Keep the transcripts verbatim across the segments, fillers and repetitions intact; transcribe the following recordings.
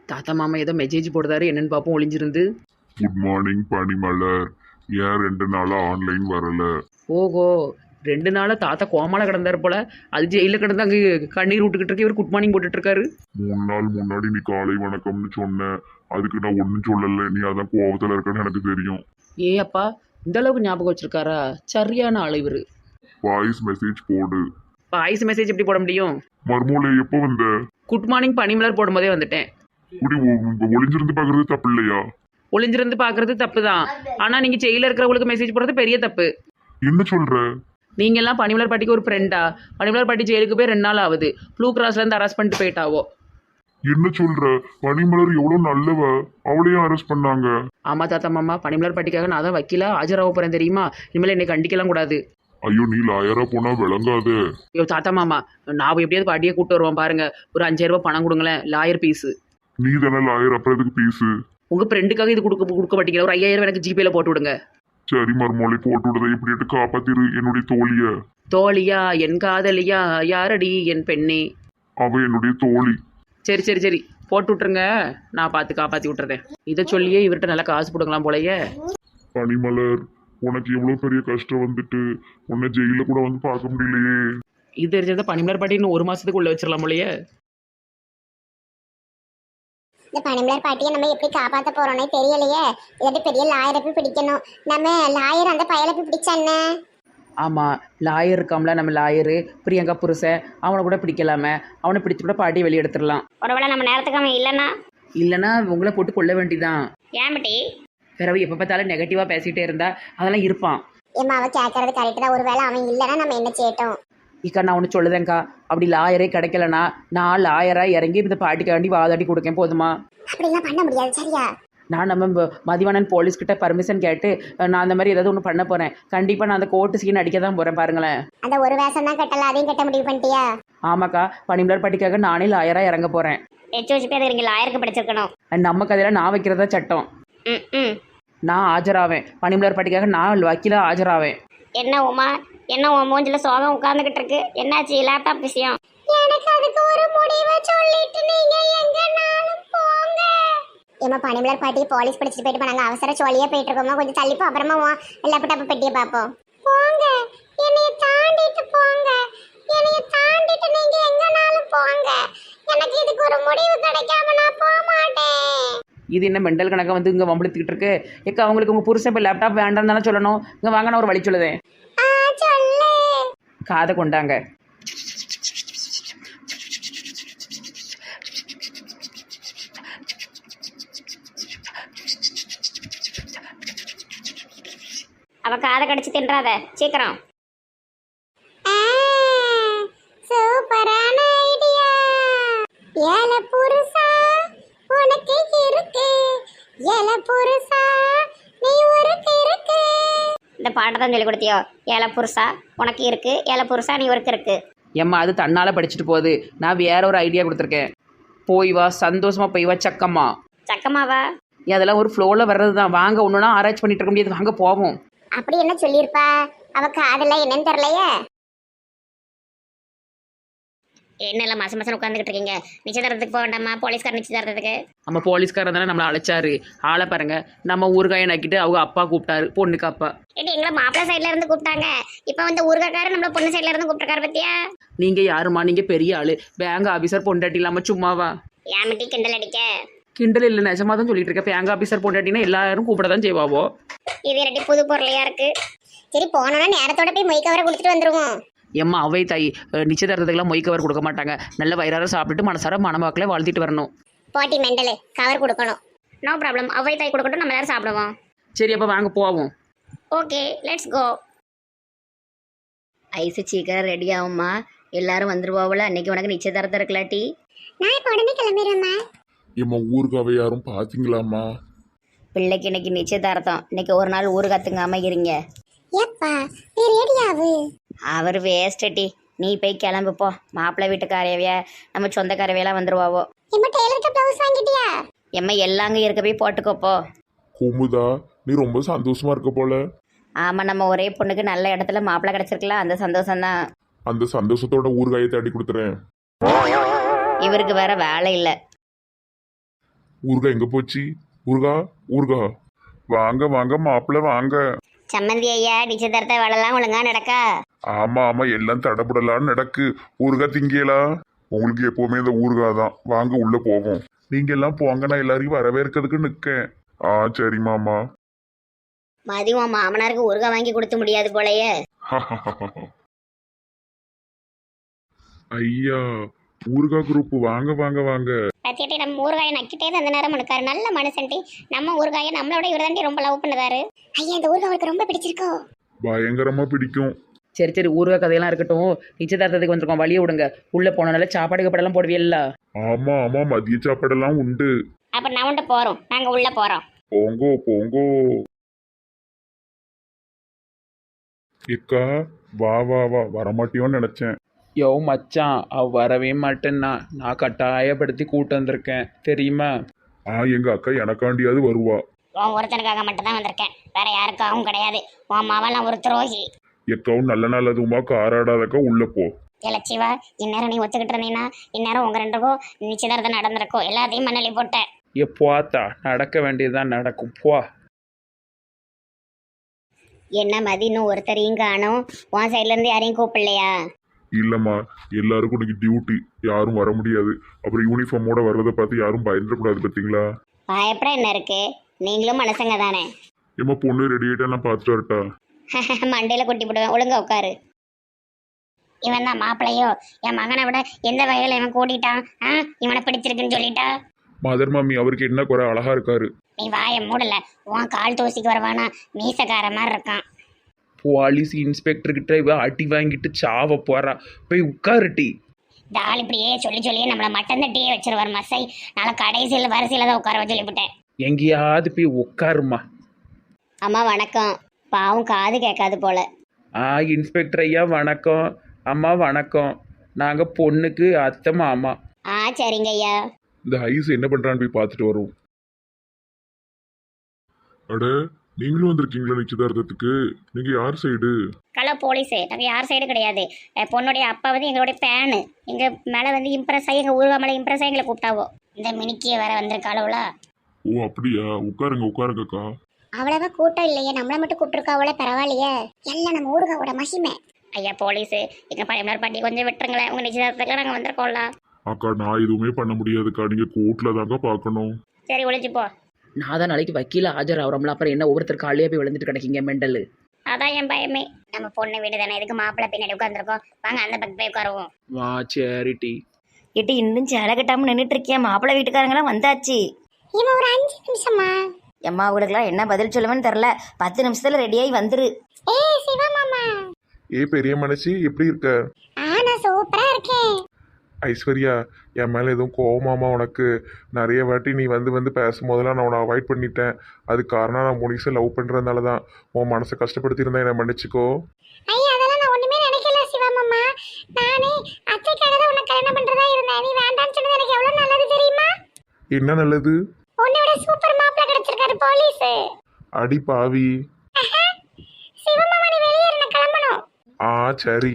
தாத்தா மாமா ஏதோ மெசேஜ் போடுறாரு, என்னன்னு பார்ப்போம் ஒளிஞ்சிருந்து. குட் மார்னிங் பனிமலர். ஏன் ரெண்டு நாளா ஆன்லைன் வரல? ஓஹோ, ரெண்டு நாளாக தாத்தா கோமால கிடந்தாரு போல. அது ஜெயிலில் கிடந்து அங்கே கண்ணீர் விட்டுக்கிட்டு இருக்கு, இவர் குட் மார்னிங் போட்டுட்டு இருக்காரு. மூணு நாள் முன்னாடி நீ காலை வணக்கம்னு சொன்ன, அதுக்கு நான் ஒன்றும் சொல்லலை. நீ அதான் கோவத்தில் இருக்கன்னு எனக்கு தெரியும். ஏ அப்பா, இந்த அளவுக்கு ஞாபகம் வச்சிருக்காரா? சரியான ஆள் இவர். வாய்ஸ் மெசேஜ் போடு. வாய்ஸ் மெசேஜ் எப்படி போட முடியும்? மர்மூலை எப்போ வந்த? குட் மார்னிங் பனிமலர் போடும்போதே வந்துட்டேன். இப்படி ஒ- ஒளிஞ்சிருந்து பார்க்கறது தப்பு இல்லையா? ஒளிஞ்சிருந்து பார்க்கறது தப்பு தான், ஆனால் நீங்கள் ஜெயிலில் இருக்கிறவங்களுக்கு மெசேஜ் போடுறது பெரிய தப்பு. என்ன சொல்ற? நீங்க எல்லாம் பனிமலர் பாட்டிக்கு ஒரு ஃப்ரெண்டா? பனிமலர் பாட்டி ஜெயிலுக்கு போய் ரெண்டு நாள் ஆகுது. ப்ளூ கிராஸ்ல இருந்து அரெஸ்ட் பண்ணிட்டு போயிட்டாவோ. என்ன சொல்ற? பனிமலர் எவ்வளவு நல்லவ, அவளையும் அரெஸ்ட் பண்ணாங்க. ஆமா தாத்தா மாமா, பனிமலர் பாட்டிக்காக நான் தான் வக்கீலா ஆஜராக போறேன் தெரியுமா? இனிமேல் என்னை கண்டிக்கலாம் கூடாது. ஐயோ, நீ லாயரா போனா விளங்காதே. ஐயோ தாத்தா மாமா, நான் எப்படியாவது பாட்டியை கூப்பிட்டு வருவோம் பாருங்க. ஒரு அஞ்சாயிரம் ரூபாய் பணம் கொடுங்களேன், லாயர் பீஸு. நீ தானே லாயர், அப்புறம் எதுக்கு பீஸு? உங்க ஃப்ரெண்டுக்காக இது கொடுக்க கொடுக்க மாட்டீங்களா? ஒரு ஐயாயிரம் எனக்கு ஜிபேல போட்டு விடுங்க. சரி மர்மூலை, போட்டு விடுறதை இப்படிட்டு காப்பாத்திரு என்னுடைய தோழிய. தோழியா? என் காதலியா? யாரடி என் பெண்ணே? அவ என்னுடைய தோழி. சரி சரி சரி, போட்டு விட்டுருங்க, நான் பார்த்து காப்பாற்றி விட்டுறேன். இதை சொல்லியே இவர்கிட்ட நல்லா காசு போடுங்களாம் போலயே. பனிமலர், உனக்கு எவ்வளவு பெரிய கஷ்டம் வந்துட்டு உன்னை ஜெயில கூட வந்து பார்க்க முடியலையே. இது தெரிஞ்சதை பனிமலர் பாட்டி இன்னும் ஒரு மாசத்துக்கு உள்ள வச்சிடலாம் போலயே. இந்த பனிமலர் பாட்டியை நம்ம எப்படி காப்பாற்ற போறோம்னே தெரியலையே. இல்லாட்டி பெரிய லாயரை போய் பிடிக்கணும். நம்ம லாயர் அந்த பயலை போய் பிடிச்சானே. ஆமாம், லாயர் இருக்காம்ல, நம்ம லாயரு பிரியங்கா புருஷன், அவனை கூட பிடிக்கலாமே. அவனை பிடிச்சி கூட பாட்டியை வெளியே எடுத்துடலாம். ஒருவேளை நம்ம நேரத்துக்கு அவன் இல்லைன்னா இல்லைன்னா உங்களை போட்டு கொள்ள வேண்டிதான். ஏன் பட்டி? பிறகு எப்போ பார்த்தாலும் நெகட்டிவாக பேசிகிட்டே இருந்தா அதெல்லாம் இருப்பான். ஏம்மா அவ கேட்கறது கரெக்டு தான். ஒருவேளை அவன் இல்லைன்னா நம்ம என்ன செய்யட்டும்? இக்கா நான் ஒன்று சொல்லுதேங்க்கா, அப்படி லாயரே கிடைக்கலனா நான் லாயராக இறங்கி இந்த பாட்டிக்காண்டி வாதாடி கொடுக்கேன், போதுமா? அப்படிலாம் பண்ண முடியாது. சரியா? நான் நம்ம ம- மதிவாணன் போலீஸ்கிட்ட பர்மிஷன் கேட்டு நான் அந்த மாதிரி ஏதாவது ஒன்று பண்ண போகிறேன். கண்டிப்பாக நான் அந்த கோர்ட்டு சீன் அடிக்க தான் போகிறேன், பாருங்களேன். அந்த ஒரு வேஷம் தான் கட்டல, அதையும் கட்ட முடிவு பண்ணிட்டியா? ஆமாக்கா, பனிமலர் பாட்டிக்காக நானே லாயராக இறங்க போகிறேன். எச்சு வச்சு பேர் இங்கே லாயருக்கு படிச்சிருக்கணும். நம்ம கதையில் நான் வைக்கிறதா சட்டம். ம் ம் நான் ஆஜராவேன், பனிமலர் பாட்டிக்காக நான் வக்கீலாக ஆஜராவேன். என்ன உமா, என்ன உன் மூஞ்சில சோகம் உட்கார்ந்துகிட்டு இருக்கு? என்னாச்சு? லேப்டாப் விஷயம். எனக்கு அதுக்கு ஒரு முடிவை சொல்லிட்டு நீங்க எங்கனாலும் போங்க. ஏமா பனிமலர் பாட்டி போலீஸ் பிடிச்சிட்டு போயிட்டு போனாங்க. அவசர சோழியா போயிட்டு இருக்கோமா, கொஞ்சம் தள்ளிப்போ, அப்புறமா லேப்டாப் பெட்டியை பார்ப்போம். போங்க, என்னைய தாண்டிட்டு போங்க. என்னைய தாண்டிட்டு நீங்க எங்கனாலும் போங்க. எனக்கு இதுக்கு ஒரு முடிவு கிடைக்காம நான் போக மாட்டேன். இது என்ன மெண்டல் கணக்கை வந்து இங்கே வம்பிழுத்துக்கிட்டு இருக்கு? ஏக்கா அவங்களுக்கு உங்கள் புருஷன் இப்போ லேப்டாப் வேண்டாம்னு தானே சொல்லணும். இங்கே வாங்க, நான் ஒரு வழி சொல்லுதேன். ஆ சொல்லு. காதை கொண்டாங்க. அவ காதை கடிச்சு தின்றாத, சீக்கிரம். சூப்பரான ஐடியா. ஏல புருஷா உனக்கு இருக்கு, ஏல புருஷா நீ ஒருக்கு இருக்கு. இந்த பாட்டை தான் சொல்லி கொடுத்தியோ? ஏல புருஷா உனக்கு இருக்கு, ஏல புருஷா நீ ஒருக்கு இருக்கு. ஏம்மா அது தன்னால் படிச்சுட்டு போகுது. நான் வேற ஒரு ஐடியா கொடுத்துருக்கேன். போய் வா, சந்தோஷமா போய் வா சக்கம்மா. சக்கமாவா? ஏன் அதெல்லாம் ஒரு ஃப்ளோவில் வர்றது தான். வாங்க, ஒன்றுனா ஆராய்ச்சி பண்ணிட்டு இருக்க முடியாது, வாங்க போவோம். அப்படி என்ன சொல்லியிருப்பா? அவ காதெல்லாம் என்னன்னு தெரியலையே. என்னெல்லாம் மாசம் மாசம் உட்காந்துக்கிட்டு இருக்கீங்க? நிச்சயதாரத்துக்கு போக வேண்டாமா? போலீஸ்கார் நிச்சயதாரத்துக்கு. நம்ம போலீஸ்காரன் தானே நம்மளை அழைச்சாரு. ஆளை பாருங்க, நம்ம ஊறுகாயை நக்கிட்டு அவங்க அப்பா கூப்பிட்டாரு, பொண்ணுக்கு அப்பா. ஏடி எங்களை மாப்பிள்ளை சைட்ல இருந்து கூப்பிட்டாங்க. இப்போ வந்து ஊர்காக்காரர் நம்மள பொண்ணு சைட்ல இருந்து கூப்பிட்டுருக்காரு பத்தியா? நீங்க யாருமா? நீங்க பெரிய ஆளு, பேங்க் ஆபீசர் பொண்டாட்டி இல்லாம சும்மாவா? ஏமிட்டி கிண்டல் அடிக்க? கிண்டல் இல்லை, நிஜமா தான் சொல்லிட்டு இருக்கேன். பேங்க் ஆபீசர் பொண்டாட்டினா எல்லாரும் கூப்பிட தான் செய்வாவோ. இது இரட்டி புது பொருளையா இருக்கு. சரி போனோம்னா நேரத்தோட போய் மொய் கவரை கொடுத்துட்டு வந்துருவோம். எம்மா அவை தாய், நிச்சயதார்த்தத்துக்குலாம் மொய் கவர் கொடுக்க மாட்டாங்க. நல்ல வயிறார சாப்பிட்டுட்டு மனசார மணவாக்கில் வாழ்த்திட்டு வரணும். போட்டி மெண்டலு, கவர் கொடுக்கணும். நோ ப்ராப்ளம், அவ்வை தாய் கொடுக்கட்டும், நம்ம எல்லாரும் சாப்பிடுவோம். சரி அப்போ வாங்க போவோம். Okay let's go. ஐஸு சீக்கிரம் ரெடி ஆகும்மா, எல்லாரும் வந்துருவாவில். அன்னைக்கு உனக்கு நிச்சயதார்த்தம் இருக்கலாட்டி? நான் இப்போ உடனே கிளம்பிடுறேம்மா. ஏம்மா ஊருக்காவை யாரும் பாத்தீங்களாம்மா? பிள்ளைக்கு இன்னைக்கு நிச்சயதார்த்தம். இன்னைக்கு ஒரு நாள் ஊரு கத்துங்காம இருங்க. ஏப்பா நீ ரெடியாவு? அவர் வேஸ்டட்டி, நீ போய் கிளம்புப்போ. மாப்பிள்ளை வீட்டுக்காரவைய நம்ம சொந்தக்காரவையெல்லாம் வந்துருவாவோ. எம்மா டெய்லருக்கு ப்ளவுஸ் வாங்கிட்டியா? எம்மா எல்லாங்க இருக்க போய் போட்டுக்கோப்போ. குமுதா, நீ ரொம்ப சந்தோஷமா இருக்க போல. ஆமாம், நம்ம ஒரே பொண்ணுக்கு நல்ல இடத்துல மாப்பிள்ளை கிடச்சிருக்கலாம், அந்த சந்தோஷம்தான். அந்த சந்தோஷத்தோட ஊறுகாயை தேடி கொடுத்துறேன். இவருக்கு வேற வேலை இல்லை. ஊர்கா எங்க போச்சு? ஊர்கா ஊர்கா வாங்க வாங்க மாப்பிள்ள வாங்க. சம்மந்தி ஐயா நிச்சயதார்த்த வேலைலாம் ஒழுங்கா நடக்கா? ஆமா ஆமா எல்லாம் தடபுடலான்னு நடக்கு. ஊர்கா திங்கலா? உங்களுக்கு எப்பவுமே இந்த ஊர்கா தான். வாங்க உள்ள போவோம். நீங்க எல்லாம் போங்க, நான் எல்லாரையும் வரவேற்கிறதுக்கு நிக்கேன். ஆ சரி மாமா. மதியம் மாமனாருக்கு ஊறுகாய் வாங்கி கொடுத்து முடியாது போலயே. ஐயா ஊர்கா குரூப் வாங்க வாங்க வாங்க. பத்தியட்டி நம்ம ஊறுகாயை நக்கிட்டே அந்த நேரம் இருக்காரு. நல்ல மனுஷன்டி. நம்ம ஊறுகாயை நம்மளோட இவர் தாண்டி ரொம்ப லவ் பண்ணுவாரு. ஐயா இந்த ஊறுகாய் அவருக்கு ரொம்ப பிடிச்சிருக்கோ? பயங்கரமா பிடிக்கும். சரி சரி ஊறுகாய் கதையெல்லாம் இருக்கட்டும். நிச்சயதார்த்தத்துக்கு வந்திருக்கோம், வழியை விடுங்க. உள்ளே போனனால சாப்பாடு கீப்பாடெல்லாம் போடுவீல்ல? ஆமா ஆமா மதிய சாப்பாடெல்லாம் உண்டு. அப்ப நான் உண்டு போறோம். நாங்க உள்ள போறோம். போங்கோ போங்கோ. எக்கா வா வா வா வரமாட்டியோன்னு நினைச்சேன். யோ மச்சான், அவ வரவே மாட்டேன்னா நான் கட்டாயப்படுத்தி கூட்டு வந்திருக்கேன் தெரியுமா? ஆ எங்க அக்கா எனக்காண்டியாவது வருவா. உன் ஒருத்தனுக்காக மட்டும் தான் வந்திருக்கேன், வேற யாருக்காகவும் கிடையாது. உன் மாவெல்லாம் ஒரு துரோகி. எக்காவும் நல்ல நாள் அதுவுமா காராடாதக்கா உள்ள போ. இலச்சிவா, இந்நேரம் நீ ஒத்துக்கிட்டு இருந்தீங்கன்னா இந்நேரம் உங்க ரெண்டுக்கும் நிச்சயதார்த்தம் நடந்திருக்கும். எல்லாத்தையும் மண்ணலி போட்டேன். எப்போத்தா நடக்க வேண்டியதுதான் நடக்கும் போ. என்ன மதி இன்னும் ஒருத்தரையும் காணும்? உன் சைட்ல இருந்து யாரையும் கூப்பிடலையா? இல்லம்மா எல்லாருக்கும் இன்னைக்கு டியூட்டி, யாரும் வர முடியாது. அப்புறம் யூனிஃபார்மோட வர்றதை பார்த்து யாரும் பயந்துடக்கூடாது பார்த்தீங்களா? பயப்பட என்ன இருக்கு, நீங்களும் மனுஷங்க தானே. ஏம்மா பொண்ணு ரெடி ஆயிட்டா நான் பார்த்துட்டு வரட்டா? மண்டையில கொட்டி போடுவேன், ஒழுங்கா உட்காரு. இவன் தான் மாப்பிள்ளையோ? என் மகனை விட எந்த வகையில இவன் கூட்டிட்டான்? ஆ இவனை பிடிச்சிருக்குன்னு சொல்லிட்டா? மதர் மாமி அவருக்கு என்ன குறை, அழகா இருக்காரு. நீ வாயை மூடல. உன் கால் தூசிக்கு வருவானா? மீசக்கார மாதிரி இருக்கான். போலீஸ் இன்ஸ்பெக்டர்கிட்ட இவ அடி வாங்கிட்டு சாவ போறா. போய் உட்காருட்டி. இந்த ஆள் இப்படியே சொல்லி சொல்லியே நம்மளை மட்டன் தட்டியே வச்சிருவார் மசை. நாளை கடைசியில் வரிசையில் தான் உட்கார சொல்லிவிட்டேன். எங்கேயாவது போய் உட்காருமா. அம்மா வணக்கம். பாவம் காது கேட்காது போல. ஆ இன்ஸ்பெக்டர் ஐயா வணக்கம். அம்மா வணக்கம். நாங்கள் பொண்ணுக்கு அத்தை மாமா. ஆ சரிங்க ஐயா. இந்த ஐஸ் என்ன பண்றான்னு போய் பார்த்துட்டு வரும். அட நீங்களும் வந்திருக்கீங்களா நிச்சயதார்த்தத்துக்கு? நீங்க யார் சைடு? கலோ போலீஸு, நாங்கள் யார் சைடு கிடையாது. அஹ் பொண்ணுடைய அப்பா வந்து எங்களுடைய பேனு. எங்கள் மேலே வந்து இம்ப்ரெஸ் ஆகி எங்கள் ஊருவா மேலே இம்ப்ரெஸ் ஆகி எங்களை கூப்பிட்டாவோ. இந்த மினிக்கிய வேற வந்திருக்காளவுல. ஓ அப்படியா, உட்காருங்க உட்காருங்கக்கா. அவ்வளவா கூட்டம் இல்லையே, நம்மளை மட்டும் கூப்பிட்டுருக்காவோல, பரவாயில்லையே. எல்லாம் நம்ம ஊருகாவோட மகிமை. ஐயா போலீஸு, எங்கள் பழைய பாட்டி கொஞ்சம் விட்டுருங்களேன். உங்கள் நிச்சயதார்த்தத்துக்கு நாங்கள் வந்திருக்கோம்ல. அக்கா நான் எதுவுமே பண்ண முடியாதுக்கா, நீங்க கோர்ட்ல தாங்க பார்க்கணும். சரி ஒழிச்சு போ. நான் தான் நாளைக்கு வக்கீல ஆஜர் ஆகிறோம்ல, அப்புறம் என்ன ஒவ்வொருத்தர் காலையே போய் விழுந்துட்டு கிடைக்கீங்க மெண்டல். அதான் என் பயமே. நம்ம பொண்ணு வீடு தானே, இதுக்கு மாப்பிள்ளை பின்னாடி உட்காந்துருக்கோம். வாங்க அந்த பக்கம் போய் உட்காருவோம். வா சேரிட்டி. இட்டு இன்னும் சேலை கட்டாமல் நின்றுட்டு இருக்கியா? மாப்பிள்ளை வீட்டுக்காரங்களாம் வந்தாச்சு. இவன் ஒரு அஞ்சு நிமிஷமா? எம்மா அவங்களுக்குலாம் என்ன பதில் சொல்லுவேன்னு தெரில. பத்து நிமிஷத்துல ரெடியாகி வந்துரு. ஏய் சிவா மாமா. ஏ பெரிய மனசி எப்படி இருக்க? ஆ நான் சூப்பரா இருக்கேன். ஐஸ்வர்யா என் மேலே எதுவும் கோவமாமா உனக்கு? நிறைய வாட்டி நீ வந்து வந்து பேசும்போதெல்லாம் நான் உன்னை அவாய்ட் பண்ணிட்டேன். அது காரணம் நான் முனிசை லவ் பண்ணுறதுனால தான். உன் மனசை கஷ்டப்படுத்தியிருந்தா என்னை மன்னிச்சுக்கோ. ஐயா அதெல்லாம் நான் ஒண்ணுமே நினைக்கல சிவா மாமா. நானே அத்தைக்காக தான் உன்னை கல்யாணம் பண்றதா இருந்தேன். நீ வேண்டாம்னு சொன்னது எனக்கு எவ்வளவு நல்லது தெரியுமா? என்ன நல்லது? உன்னை விட சூப்பர் மாப்பிள்ளை கிடைச்சிருக்காரு போலீஸ். அடி பாவி. சிவா மாமா நீ வெளியே இருந்த கிளம்பணும். ஆ சரி.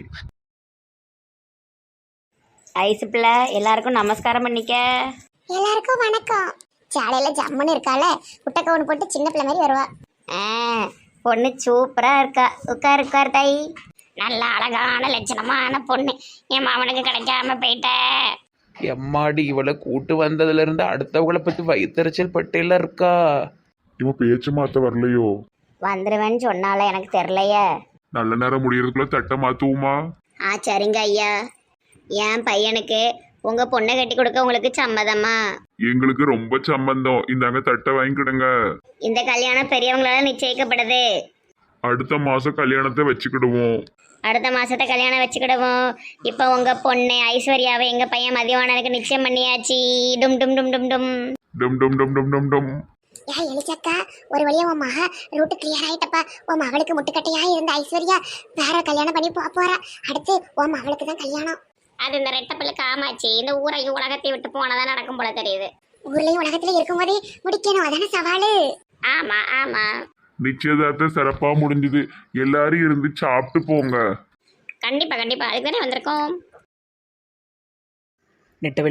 ஐசு பிள்ளை எல்லாருக்கும் நமஸ்காரம் பண்ணிக்க. எல்லாருக்கும் வணக்கம். சாலையில ஜம்முன்னு இருக்கால, குட்டை கவுன் போட்டு சின்ன பிள்ளை மாதிரி வருவா. ஆ பொண்ணு சூப்பரா இருக்கா. உட்கார் உட்கார் தாய். நல்ல அழகான லட்சணமான பொண்ணு. என் மாமனுக்கு கிடைக்காம போயிட்ட. எம்மாடி இவளை கூட்டு வந்ததுல இருந்து அடுத்தவங்களை பத்தி வயிற்றுச்சல் பட்டியல இருக்கா. இவன் பேச்சு மாத்த வரலையோ? வந்துருவேன்னு சொன்னால எனக்கு தெரிலையே. நல்ல நேரம் முடியறதுக்குள்ள தட்டை மாத்துவோமா? ஆ சரிங்க ஐயா. என் பையனுக்கு உங்க பொண்ணை கட்டி கொடுக்க உங்களுக்கு சம்மதமா? எங்களுக்கு ரொம்ப சம்பந்தம். இந்தாங்க தட்டை வாங்கிக்கிடுங்க. இந்த கல்யாணம் பெரியவங்களால நிச்சயிக்கப்படுது. அடுத்த மாசம் கல்யாணத்தை வச்சுக்கிடுவோம். அடுத்த மாசத்தை கல்யாணம் வச்சுக்கிடுவோம். இப்போ உங்க பொண்ணு ஐஸ்வர்யாவை எங்க பையன் மதியவானனுக்கு நிச்சயம் பண்ணியாச்சு. டும் டும் டும் டும் டும் டும் டும் டும் டும் டும் டும். யா எலிச்சக்கா, ஒரு வழியா உன் மக ரூட்டு கிளியர் ஆயிட்டப்பா. உன் மகளுக்கு முட்டுக்கட்டையா இருந்த ஐஸ்வர்யா வேற கல்யாணம் பண்ணி போக போறா. அடுத்து உன் மகளுக்கு தான் கல்யாணம். அது இந்த ரெட்ட பிள்ளை காமாச்சு. இந்த ஊரையும் உலகத்தை விட்டு போனதான் நடக்கும் போல தெரியுது. ஊர்லயும் உலகத்துல இருக்கும் போதே முடிக்கணும், அதான சவாலு. ஆமா ஆமா. நிச்சயதார்த்தம் சிறப்பா முடிஞ்சது. எல்லாரும் இருந்து சாப்பிட்டு போங்க. கண்டிப்பா கண்டிப்பா, அதுக்கு தானே வந்திருக்கோம். நெட்டவெளி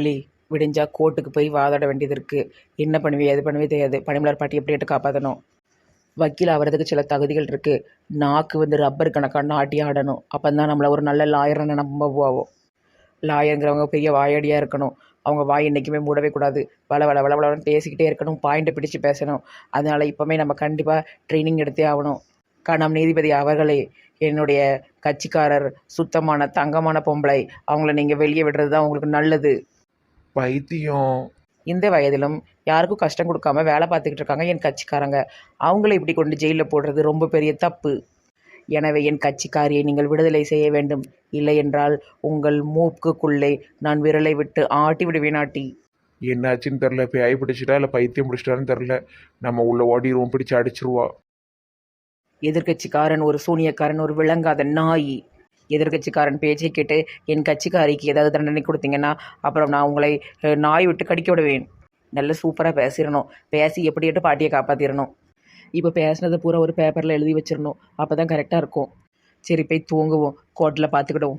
விடிஞ்சா கோர்ட்டுக்கு போய் வாதாட வேண்டியது இருக்குது. என்ன பண்ணுவே எது பண்ணுவே தெரியாது. பனிமலர் பாட்டி எப்படியாட்டு காப்பாற்றணும். வக்கீல் ஆகிறதுக்கு சில தகுதிகள் இருக்குது. நாக்கு வந்து ரப்பர் கணக்காக நாட்டி ஆடணும். அப்போ தான் நம்மளை ஒரு நல்ல லாயர்னு நம்புவோம். லாயருங்கிறவங்க பெரிய வாயடியாக இருக்கணும். அவங்க வாய் என்றைக்குமே மூடவே கூடாது. வள வள வள வளன்னு பேசிக்கிட்டே இருக்கணும். பாயிண்ட்டை பிடிச்சு பேசணும். அதனால் இப்போமே நம்ம கண்டிப்பாக ட்ரைனிங் எடுத்தே ஆகணும். கணம் நீதிபதி அவர்களே, என்னுடைய கட்சிக்காரர் சுத்தமான தங்கமான பொம்பளை. அவங்கள நீங்கள் வெளியே விடுறது தான் உங்களுக்கு நல்லது. பைத்தியம். இந்த வயதிலும் யாருக்கும் கஷ்டம் கொடுக்காம வேலை பார்த்துக்கிட்டு இருக்காங்க என் கட்சிக்காரங்க. அவங்கள இப்படி கொண்டு ஜெயிலில் போடுறது ரொம்ப பெரிய தப்பு. எனவே என் கட்சிக்காரியை நீங்கள் விடுதலை செய்ய வேண்டும். இல்லை என்றால் உங்கள் மூக்குக்குள்ளே நான் விரலை விட்டு ஆட்டி விடுவேன். ஆட்டி என்னாச்சுன்னு தெரில. பேய் பிடிச்சிட்டா இல்லை பைத்தியம் பிடிச்சிட்டான்னு தெரில. நம்ம உள்ள ஓடிடுவோம், பிடிச்சி அடிச்சிருவா. எதிர்கட்சிக்காரன் ஒரு சூனியக்காரன், ஒரு விளங்காத நாய். எதிர்கட்சிக்காரன் பேச்சை கேட்டு என் கட்சிக்காரிக்கு ஏதாவது தண்டனை கொடுத்தீங்கன்னா அப்புறம் நான் உங்களை அஹ், நாய் விட்டு கடிக்க விடுவேன். நல்ல சூப்பராக பேசிடணும். பேசி எப்படியாட்டு பாட்டியை காப்பாற்றிடணும். இப்போ பேசினதை பூரா ஒரு பேப்பரில் எழுதி வச்சிடணும். அப்போ தான் கரெக்டாக இருக்கும். சரி போய் தூங்குவோம். கோர்ட்டில் பார்த்துக்கிடுவோம்.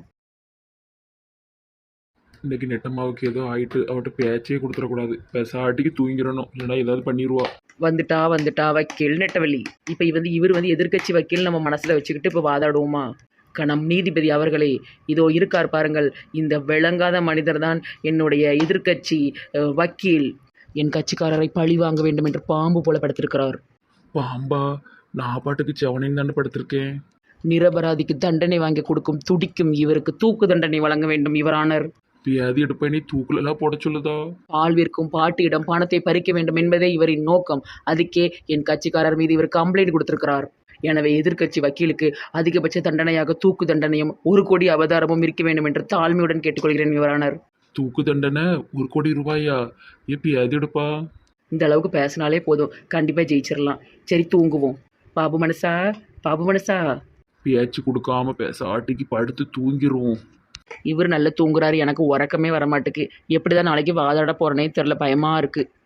இன்னைக்கு நெட்டம்மாவுக்கு ஏதோ ஆயிட்டு அவட்ட பேச்சே கொடுத்துடக்கூடாது. பேசாட்டிக்கு தூங்கிடணும், இல்லைன்னா ஏதாவது பண்ணிடுவா. வந்துட்டா வந்துட்டா வக்கீல் நெட்டவள்ளி. இப்போ வந்து இவர் வந்து எதிர்க்கட்சி வக்கீல் நம்ம மனசில் வச்சுக்கிட்டு இப்போ வாதாடுவோமா? கணம் நீதிபதி அவர்களே, இதோ இருக்கார் பாருங்கள். இந்த விளங்காத மனிதர் தான் என்னுடைய எதிர்க்கட்சி அஹ், வக்கீல். என் கட்சிக்காரரை பழி வாங்க வேண்டும் என்று பாம்பு போல படுத்திருக்கிறார். பாம்பா? நான் பாட்டுக்கு செவனையும் தானே படுத்திருக்கேன். நிரபராதிக்கு தண்டனை வாங்கி கொடுக்கும் துடிக்கும் இவருக்கு தூக்கு தண்டனை வழங்க வேண்டும் யுவரானர். வியாதி எடுப்பேனே தூக்குலெல்லாம் போட சொல்லுதா? பால் விற்கும் பாட்டியிடம் பணத்தை பறிக்க வேண்டும் என்பதே இவரின் நோக்கம். அதுக்கே என் கட்சிக்காரர் மீது இவர் கம்ப்ளைண்ட் கொடுத்திருக்கிறார். எனவே எதிர்க்கட்சி வக்கீலுக்கு அதிகபட்ச தண்டனையாக தூக்கு தண்டனையும் ஒரு கோடி அவதாரமும் இருக்க வேண்டும் என்று தாழ்மையுடன் கேட்டுக்கொள்கிறேன் யுவரானர். தூக்கு தண்டனை ஒரு கோடி ரூபாயா? எப்ப வியாதி எடுப்பா? இந்த அளவுக்கு பேசினாலே போதும், கண்டிப்பாக ஜெயிச்சிடலாம். சரி தூங்குவோம். பாபு மனசா, பாபு மனசா. பேச்சு கொடுக்காம பேசாட்டிக்கு படுத்து தூங்கிடுவோம். இவர் நல்லா தூங்குறாரு. எனக்கு உறக்கமே வரமாட்டுக்கு. எப்படி தான் நாளைக்கு வாதாட போகிறேனே தெரில, பயமாக இருக்குது.